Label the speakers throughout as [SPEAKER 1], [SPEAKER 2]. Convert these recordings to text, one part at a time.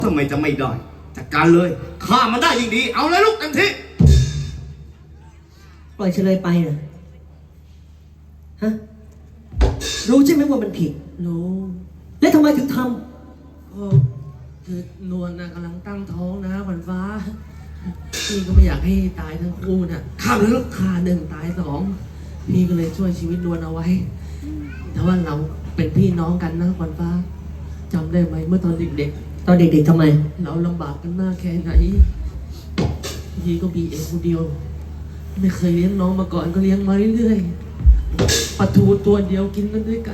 [SPEAKER 1] ทำไมจะไม่ได้จัดการเลยฆ่ามันได้ยิ่งดีเอาเลยลูกเต็มที่
[SPEAKER 2] ปล่อยเฉลยไปนะฮะรู้ใช่ไหมว่ามันผิด
[SPEAKER 3] รู้
[SPEAKER 2] แล้วทำไมถึงท
[SPEAKER 3] ก็คือนวลนะกำลังตั้งท้องนะขวัญฟ้าพี่ก็ไม่อยากให้ตายทั้งคู่น่ะ
[SPEAKER 1] ฆ่าเลยลูก
[SPEAKER 3] ฆ่าหนึ่งตายสองพี่ก็เลยช่วยชีวิตนวลเอาไว้แต่ว่าเราเป็นพี่น้องกันนะขวัญฟ้าจำได้ไหมเมื่อตอนเด็ก
[SPEAKER 2] ๆตอนเด็กๆทำไม
[SPEAKER 3] เราลำบากกันมากแค่ไหนพี่ก็มีเองคนเดียวไม่เคยเลี้ยงน้องมาก่อนก็เลี้ยงมาเรื่อยๆปลาทูตัวเดียวกินกันด้วยกัน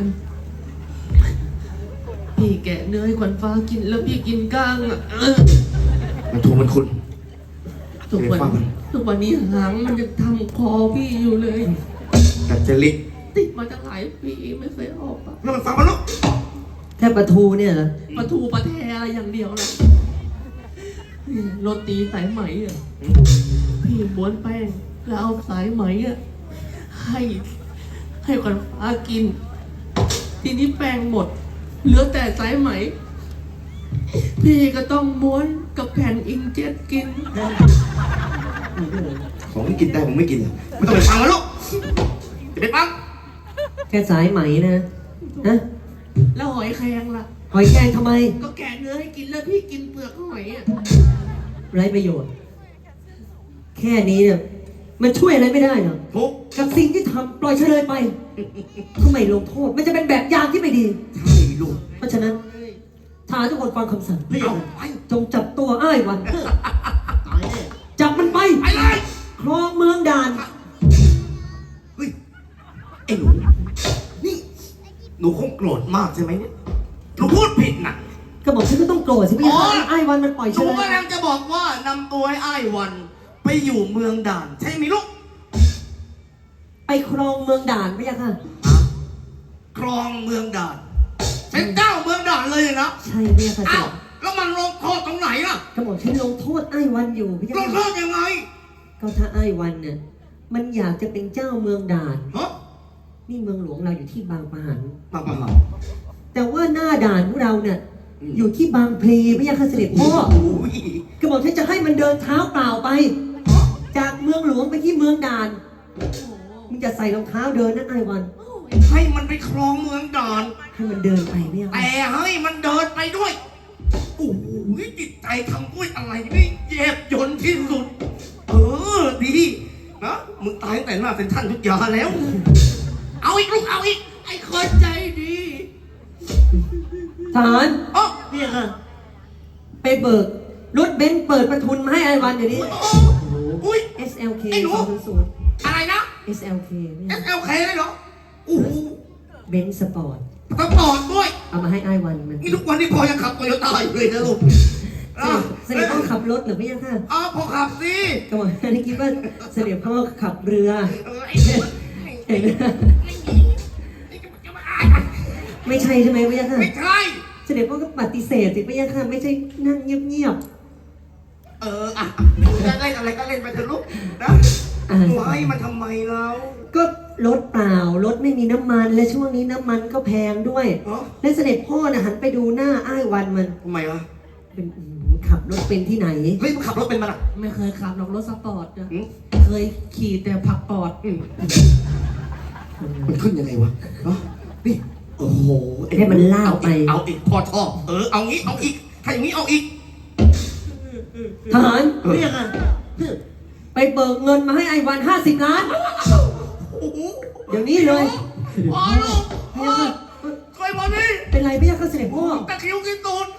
[SPEAKER 3] พี่แกะเนื้อให้ขวัญฟ้ากินแล้วพี่กินก้างอ่ะ
[SPEAKER 1] มันถูกมันคุณ
[SPEAKER 3] ทุกวันนี้หางมันยังทำคอพี่อยู่เลย
[SPEAKER 1] แต่เจลิก
[SPEAKER 3] ติดมาตั้งหลายปีไม่เคยออกอ่ะ
[SPEAKER 1] แล้วมันฟังมันลูก
[SPEAKER 2] แค่ปลาทูเนี่ยเหรอ
[SPEAKER 3] ปลาทูปลาแทอะไรอย่างเดียวนะโรตีสายไหมอ่ะพี่ม้วนแป้งแล้วเอาสายไหมอ่ะให้ขวัญฟ้ากินทีนี้แป้งหมดเหลือแต่สายไหมพี่ก็ต้องม้วนกับแผ่นอิงเจ็ตกิน
[SPEAKER 1] ของที่กินได้ผมไม่กินไม่ต้องไปฟังมันลูกจะไปฟัง
[SPEAKER 2] แค่สายไหมนะฮะ
[SPEAKER 3] แล้วหอยแครงล่ะ
[SPEAKER 2] หอยแครงทำไม
[SPEAKER 3] ก็แกะเนื้อให้กินแล้วพี่กินเปลือกหอยอ่ะ
[SPEAKER 2] ไร้ประโยชน์แค่นี้เนี่ยมันช่วยอะไรไม่ได้หรอกกับสิ่งที่ทำปล่อยเฉลยไปทำไมลงโทษมันจะเป็นแบบอย่างที่ไม่ดี
[SPEAKER 1] ใช่ลูก
[SPEAKER 2] เพราะฉะนั้นทหารทุกคนฟังคำสั่งจงจับตัวอ้ายวันจับมันไปครองเมืองด่าน
[SPEAKER 1] เฮ้ยไอ้หนูนี่หนูคงโกรธมากใช่ไหมเนี่ยหนูพูดผิดนะ
[SPEAKER 2] ก็บอกฉันก็ต้องโกรธสิพี่อ้ายวันมันปล่อยฉัน
[SPEAKER 1] หนูกำลังจะบอกว่านำตัวอ้ายวันไปอยู่เมืองด่านใช่ไหมลูก
[SPEAKER 2] ไปครองเมืองด่านไม่ใช่ค่ะ
[SPEAKER 1] ครองเมืองด่านเป็นเจ้าเมืองด่านเลยนะ
[SPEAKER 2] ใช่พี่ค่ะ
[SPEAKER 1] อ้าวแล้วมันลงโทษตรงไหนล่ะ
[SPEAKER 2] ก็บอกฉันลงโทษอ้ายวันอยู่พี่
[SPEAKER 1] ลงโทษยังไง
[SPEAKER 2] ก็ถ้าอ้ายวันเนี่ยมันอยากจะเป็นเจ้าเมืองด่าน
[SPEAKER 1] ฮะ
[SPEAKER 2] นี่เมืองหลวงเราอยู่ที่บางปะหันแต่ว่าหน้าด่านของเราเนี่ยอยู่ที่บางพลีพี่ค่ะเสด็จพ่อก็บอกฉันจะให้มันเดินเท้าเปล่าไปจากเมืองหลวงไปที่เมืองด่านมึงจะใส่รองเท้าเดินนะไอ้วัน
[SPEAKER 1] ให้มันไปครองเมืองด่าน
[SPEAKER 2] ให้มันเดินไปเนี่ย
[SPEAKER 1] แต่ให้มันเดินไปด้วยโอ้โหจิตใจทำด้วยอะไรนี่เย็บยนที่สุดดีนะมึงตายตั้งแต่หน้าเซ็นทรัลทุกอย่างแล้วเอาอีกลูกเอาอีก
[SPEAKER 3] ไอ้คนใจดี
[SPEAKER 2] ทหารเนี่ยค่ะไปเบิกรถเบนซ์เปิดประทุนมาให้ไอ้วันอย่างนี้
[SPEAKER 1] อุ้ย
[SPEAKER 2] SLK
[SPEAKER 1] 200อะไรนะ
[SPEAKER 2] SLK
[SPEAKER 1] เลยเหรอโอ้
[SPEAKER 2] เบนซ์สปอร์ต
[SPEAKER 1] ด้วย
[SPEAKER 2] เอามาให้ไอ้วันมัน
[SPEAKER 1] นี่ทุกวันนี้พอยังขับโตโยต้าอยู่เลยนะลูก
[SPEAKER 2] เสด็จพ่อขับรถหรือไม่ยังค่ะ
[SPEAKER 1] พอขับสิ
[SPEAKER 2] ก็บอกนี่คิดว่าเสด็จพ่อขับเรือไม่ใช่ใช่ไหมไม่ยังค่ะ
[SPEAKER 1] ไม่ใช่
[SPEAKER 2] เสด็จพ่อก็ปฏิเสธสิไม่ยังค่ะไม่ใช่นั่งเงียบ
[SPEAKER 1] จะเล่นอะไรก็เล่นไปเถอะลูกนะไว้มันทำไมเรา
[SPEAKER 2] ก็รถเปล่ารถไม่มีน้ำมันและช่วงนี้น้ำมันก็แพงด้วยและเสด็จพ่อน่ะหันไปดูหน้าอ้ายวันมัน
[SPEAKER 1] ทำไมวะ
[SPEAKER 2] เป็นขับรถเป็นที่ไหน
[SPEAKER 1] เฮ้ยมันขับรถเป็นมันอ่ะ
[SPEAKER 3] ไม่เคยขับหรอกรถสปอร์ตนะเคยขี่แต่ผักปอด
[SPEAKER 1] มันขึ้นยังไงวะนี่โอ้โห
[SPEAKER 2] ให้มันล่าไป
[SPEAKER 1] เอาอีกพอชอบเอางี้เอาอีกถ้าอย่างนี้เอาอีก
[SPEAKER 2] ทหารเรียกอ่ะไปเบิกเงินมาให้ไอ้วัน50 ล้านเดี๋ยวนี้เลย
[SPEAKER 1] พ่อลูกช่วยมาดิ
[SPEAKER 2] เป็นไรไม่ยากเสด็จพ่อ
[SPEAKER 1] ตะคิวกินตูน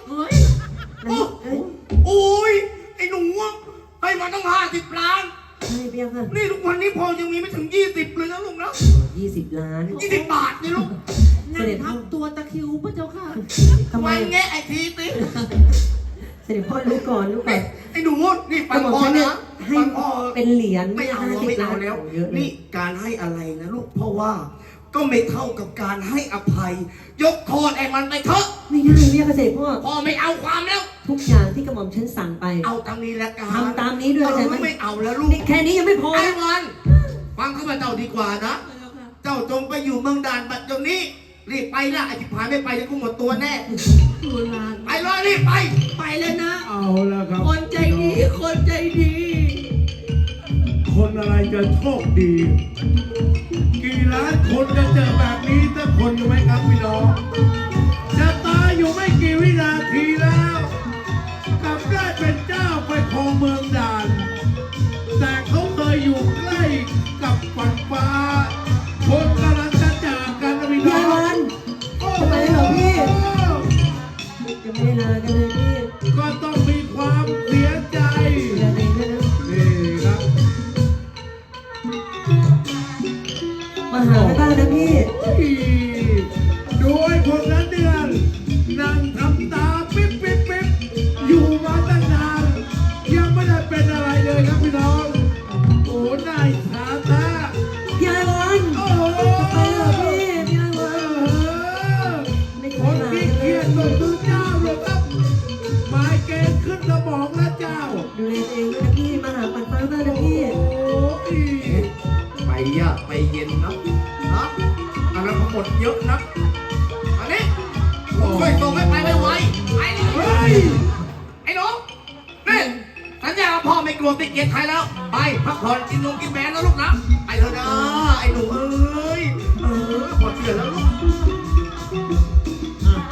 [SPEAKER 1] โอ้ยไอ้หนูให้มาต้อง50 ล้าน
[SPEAKER 2] ใช่พี่ค่ะ
[SPEAKER 1] นี่ทุกวันนี้พอยังมีไม่ถึง20เลยนะลูกนะ
[SPEAKER 2] 20 ล้าน
[SPEAKER 1] 20 บาทนี่ลูก
[SPEAKER 3] เสด็จทำตัวตะคิวพระเจ้าค่ะ
[SPEAKER 1] ทำไมแงะไอ้ทีติ
[SPEAKER 2] เสด็จพ่อรู้ก่อน
[SPEAKER 1] ไอ้หนูนี่ฟังพ่อนะ
[SPEAKER 2] ให้เป็นเหรียญ
[SPEAKER 1] ไม่เอาแล้วนี่การให้อะไรนะลูกเพราะว่าก็ไม่เท่ากับการให้อภัยยกโทษไอ้มันไปเถอะ
[SPEAKER 2] ไม่ได้เรียกเสด็จ
[SPEAKER 1] พ่อไม่เอาความแล้ว
[SPEAKER 2] ทุกอย่างที่กระหม่อมฉันสั่งไป
[SPEAKER 1] เอาตามนี้แล้วกัน
[SPEAKER 2] ทำตามนี้ด้วยใช่ไหม
[SPEAKER 1] ไม่เอาแล้วลูก
[SPEAKER 2] แค่นี้ยังไม่พอ
[SPEAKER 1] ไอ้วันฟังข้าพเจ้าดีกว่านะเจ้าจงไปอยู่เมืองด่านบัดเดี๋ยวนี้รีบไปนะไอ้ที่ผ่านไม่ไปจะกูหมดตัวแน่
[SPEAKER 3] ดูลาน
[SPEAKER 1] ไปเลยรีบไป
[SPEAKER 3] ไปแล้วนะ
[SPEAKER 4] เอาละครับ
[SPEAKER 3] คนใจดี คนใจดี
[SPEAKER 4] คนอะไรจะโชคดี กี่ล้านคนจะเจอแบบนี้สักคนอยู่ไหมครับพี่น้องจะตายอยู่ไม่กี่วินาทีแล้วกลับได้เป็นเจ้าไปครองเมืองด่าน แต่เขาเคยอยู่ใกล้กับฝันฟ้า คนกำลังจะจากกันนะพี่น้
[SPEAKER 2] ยา
[SPEAKER 4] อย ง
[SPEAKER 2] วัน
[SPEAKER 4] โอ้
[SPEAKER 2] ทำไมเหรอพี่ จะไม่ได้ลากันเลยพี่
[SPEAKER 4] ก็ต้องมีความเสียใจ
[SPEAKER 2] อย่าเด็กด้วยนะ
[SPEAKER 4] นี่ครับ
[SPEAKER 2] มาหาไปบ้างนะพี่
[SPEAKER 4] โดยคนนั้นเดือนนั่งทำตาปิ๊บปิ๊บปิ๊บอยู่มาตั้งนานยังไม่ได้เป็นอะไรเลยครับพี่น้อง โอ้นายสาตาย
[SPEAKER 2] ายวัน
[SPEAKER 4] โอ้
[SPEAKER 2] ไปเหรอพี่ยายวัน
[SPEAKER 4] คนที่เครียดก็คือเจ้าเลยครับหมายเกณฑ์ขึ้นสมองแล้วเจ้า
[SPEAKER 2] ดูแลตัวเองด้วยนะพี่มาหาปันฟ้าบ้างนะพี่
[SPEAKER 4] โอ้ย
[SPEAKER 1] ไปยากไปเย็นนะนะอันนั้นหมดเยอะนะอันนี้ช่วยส่งให้ไปไวๆไปเลย
[SPEAKER 4] เฮ้ย
[SPEAKER 1] ไอ้หนูนี่สัญญาว่าพ่อไม่กลัวติดเกียรติใครแล้ว ไปพักผ่อนกินนมกินแบนแล้วลูกนะไปเถอะนะไอ้หนูเอ้ยพอเชื่อแล้วลูก